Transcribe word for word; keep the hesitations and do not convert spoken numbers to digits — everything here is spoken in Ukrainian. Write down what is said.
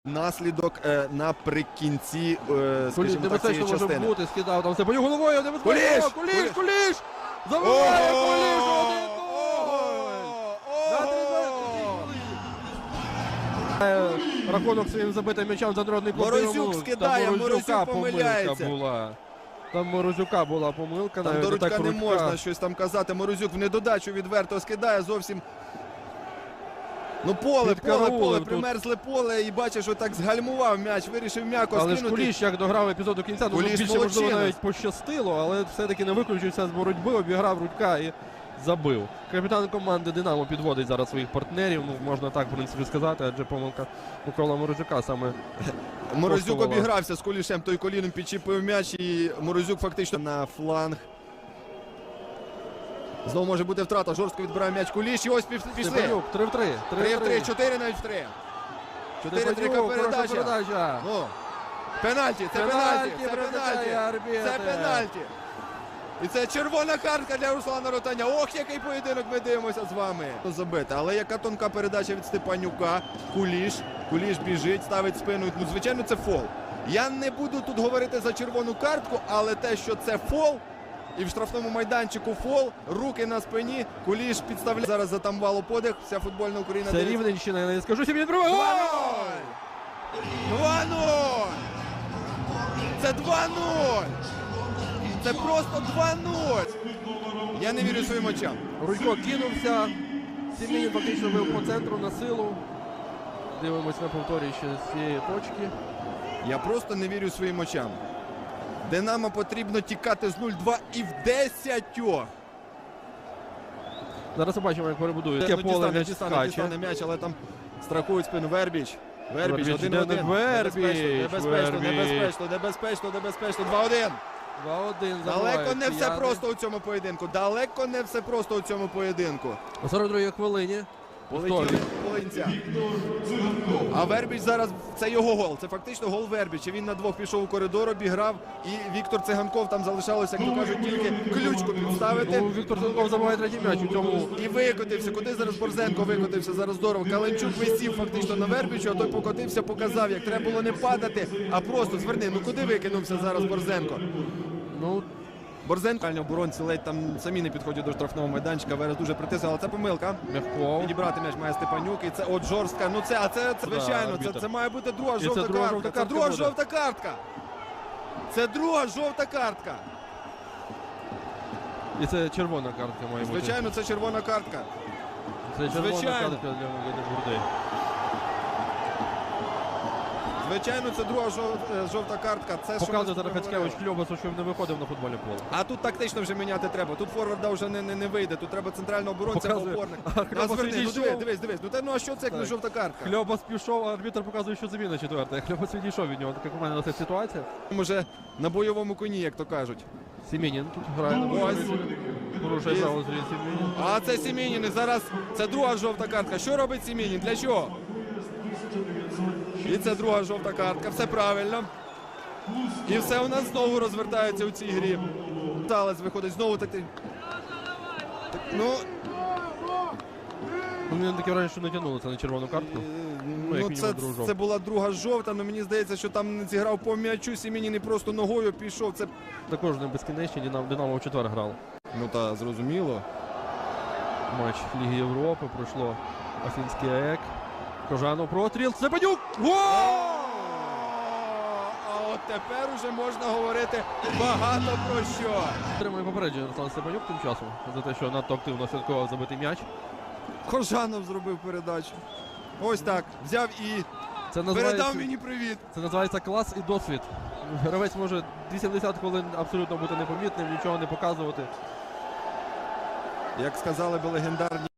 Наслідок е, наприкінці, е, скажімо так, цієї може частини. бути, скидав там Степанюк головою, небезпечно, Куліш! Куліш, Куліш, Куліш! Забиває Куліш, один гол! Рахунок своїм забитим м'ячем за народний клуб. Морозюк скидає, Морозюк помиляється. Була. Там Морозюка була помилка. Там до Рудька не можна щось там казати. Морозюк в недодачу відверто скидає зовсім. Ну поле, поле, поле, примерзле поле і бачиш, що так згальмував м'яч, вирішив м'яко але скинути. Але ж Куліш як дограв епізод до кінця, ну більше можливо навіть пощастило, але все-таки не виключився з боротьби, обіграв Рудька і забив. Капітан команди «Динамо» підводить зараз своїх партнерів, ну можна так в принципі сказати, адже помилка Микола Морозюка саме. Морозюк обігрався з Кулішем, той коліном підчіпив м'яч і Морозюк фактично на фланг. Знову може бути втрата, жорстко відбирає м'яч Куліш і ось пішли. Степанюк, три в три. три в три, чотири навіть в три. чотири три передача. передача. Ну, пенальті, це пенальті, це пенальті, це пенальті. І це червона картка для Руслана Ротаня. Ох, який поєдинок ми дивимося з вами. Забити. Але яка тонка передача від Степанюка. Куліш. Куліш біжить, ставить спину. Ну, звичайно, це фол. Я не буду тут говорити за червону картку, але те, що це фол, і в штрафному майданчику фол, руки на спині, Куліш підставляє. Зараз затамувало подих, вся футбольна Україна. Це Рівненщина, я не скажу, сім'ї другого. два нуль! два нуль! Це два нуль! Це просто два нуль! Я не вірю своїм очам. Рудько кинувся. Сім'їн фактично бив по центру на силу. Дивимось на повторі ще з цієї точки. Я просто не вірю своїм очам. Динамо потрібно тікати з нуль два і в десятьох. Зараз побачимо, як перебудують. Таке поле м'яч скаче. Дістане м'яч, але там страхують спину. Вербіч. Вербіч, один один. Вербіч, небезпечно, небезпечно, небезпечно, небезпечно. два один. два один. Далеко не все просто у цьому поєдинку. Далеко не все просто у цьому поєдинку. У сорок другій хвилині. Полетіли полинця. А Вербіч зараз, це його гол. Це фактично гол Вербіча. Він на двох пішов у коридор, обіграв. І Віктор Циганков, там залишалося, як то кажуть, тільки ключку підставити. Ну, Віктор Циганков забиває третій м'яч у цьому. І викотився. Куди зараз Борзенко викотився? Зараз здорово. Каленчук висів фактично на Вербічу, а той покотився, показав, як треба було не падати, а просто зверни. Ну куди викинувся зараз Борзенко? Ну, Борзенко, оборонці ледь там самі не підходять до штрафного майданчика. Верес дуже притиснули, але це помилка. Мягков. Підібрати м'яч має Степанюк. І це от жорстка. Ну це, а це, це звичайно, це, це має бути друга жовта друга картка. жовта Це картка друга буде. жовта картка. Це друга жовта картка. І це червона картка має бути. Звичайно, це червона картка. Це червона Звичайно. картка для Миколи Бурди. Звичайно, це друга жов- жовта картка. Це що Показує ми зараз Хацкевич говорили. Кльобасу, щоб не виходив на футбольне поле. А тут тактично вже міняти треба. Тут форварда вже не, не, не вийде. Тут треба центрального оборонця або Показує. опорник. А Кльобас Назверни, ну відійшов. дивись, дивись, дивись. Ну, та, ну а що це як не Так. жовта картка? Кльобас пішов, а арбітр показує, що заміна четверта. Кльобас відійшов від нього. Така команда на ця ситуація. Може на бойовому коні, як то кажуть. Сімінін тут грає на Ось. бойові. Порушує Є. право зрі Сімінін. А це Сімінін. І зараз це друга жовта картка. Що робить Сімінін? Для чого? І це друга жовта картка. Все правильно. І все у нас знову розвертається у цій грі. Талець виходить знову так. так ну, Ну, мені таке враження, що не тягнули це на червону картку. ну, як це, мінімум, другу жовту. це була друга жовта, але мені здається, що там не зіграв по м'ячу. Сімінін і просто ногою пішов. Це... Також не безкінечні, Динамо, Динамо в четвер грав. Ну та зрозуміло. Матч Ліги Європи, пройшло Афінський АЕК. Кожанов простріл, Степанюк! Гол! А от тепер уже можна говорити багато про що. Отримує попередження Руслан Степанюк тим часом за те, що надто активно святкував забитий м'яч. Кожанов зробив передачу. Ось так. Взяв і Це передав називається, мені привіт. це називається клас і досвід. Гравець може вісімдесят хвилин абсолютно бути непомітним, нічого не показувати. Як сказали би легендарні